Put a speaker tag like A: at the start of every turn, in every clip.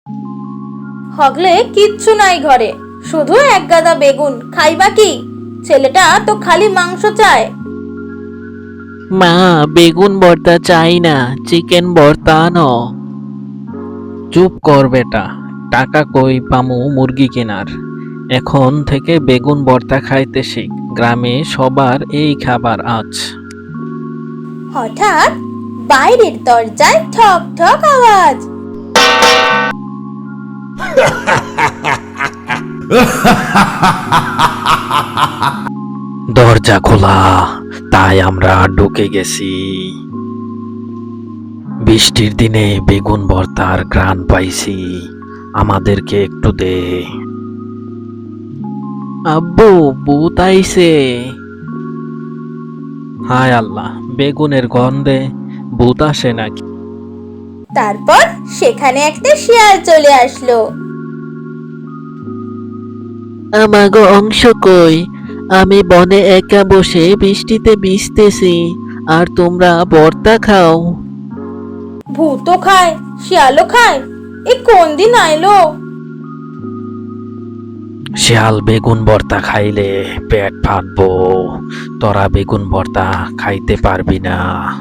A: হগলে কিচ্ছু নাই ঘরে, শুধু এক গাদা বেগুন, খাইবা কি? ছেলেটা তো খালি মাংস চায়।
B: মা, বেগুন ভর্তা চাই না, চিকেন ভর্তা আনো। চুপ কর বেটা, টাকা কই পামু মুরগি কেনার? এখন থেকে বেগুন ভর্তা খাইতে শিখ, গ্রামে সবার এই খাবার আজ।
A: হঠাৎ বাইরের দরজায় ঠক ঠক আওয়াজ।
B: দরজা খোলা, তাই আমরা ঢুকে গেছি। বৃষ্টির দিনে বেগুন ভর্তার ঘ্রাণ পাইছি, আমাদেরকে একটু দে। আব্বু, ভূত আইছে। হায় আল্লাহ, বেগুনের গন্ধে ভূত আসে নাকি?
A: তারপর সেখানে একটা শিয়াল চলে আসলো।
B: আমাগো অংশ কই? আমি বনে একা বসে বৃষ্টিতে ভিজতেছি, আর তোমরা ভর্তা খাও।
A: ভূতও খায়, শিয়ালও খায়, এ কোন দিন আইলো?
B: শিয়াল বেগুন ভর্তা খাইলে পেট ফাটবো, তোরা বেগুন ভর্তা খাইতে পারবি না।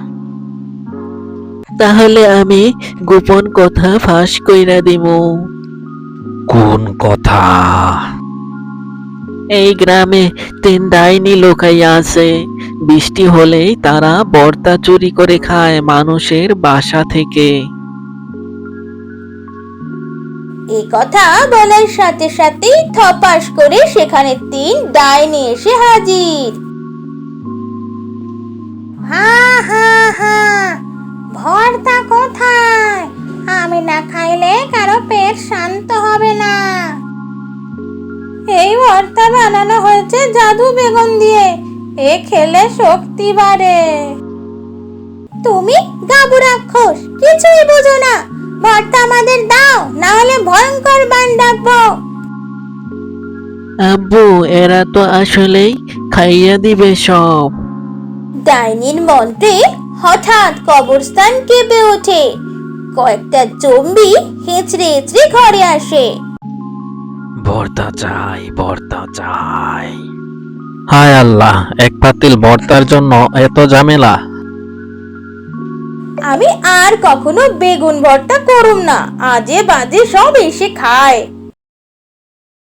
B: তাহলে আমি গোপন কথা ফাঁস কইরা দিমু। কোন কথা? এই গ্রামে 3 ডাইনি লুকাইয়া আছে, বৃষ্টি হলেই তারা ভর্তা চুরি করে খায় মানুষের বাসা থেকে।
A: এই কথা বলার সাথে সাথেই থপাস করে সেখানে 3 ডাইনি এসে হাজির। হা হা হা, ভর্তা কোথায়? আমি না খাইলে কারো পেট শান্ত হবে না। এই ভর্তা বানানো হয়েছে জাদু বেগুন দিয়ে, এ খেলে শক্তি বাড়ে। তুমি গাবু রাক্ষস, কিছুই বুঝো না। ভর্তা আমাদের দাও, না হলে ভয়ঙ্কর বান ডাকবো।
B: আব্বু, এরা তো আসলেই খাইয়া দিবে সব।
A: ডাইনির মন্ত্রে হঠাৎ কবরস্থান কেঁপে ওঠে। কয়েকটা জম্বি হেঁচড়ে হেঁচড়ে ঘরে আসে।
B: ভর্তা চাই, ভর্তা চাই। হায় আল্লাহ, এক পাতিল ভর্তার জন্য এত ঝামেলা।
A: আমি আর কখনো বেগুন ভর্তা করুম না, আজে বাজে সব এসে খায়।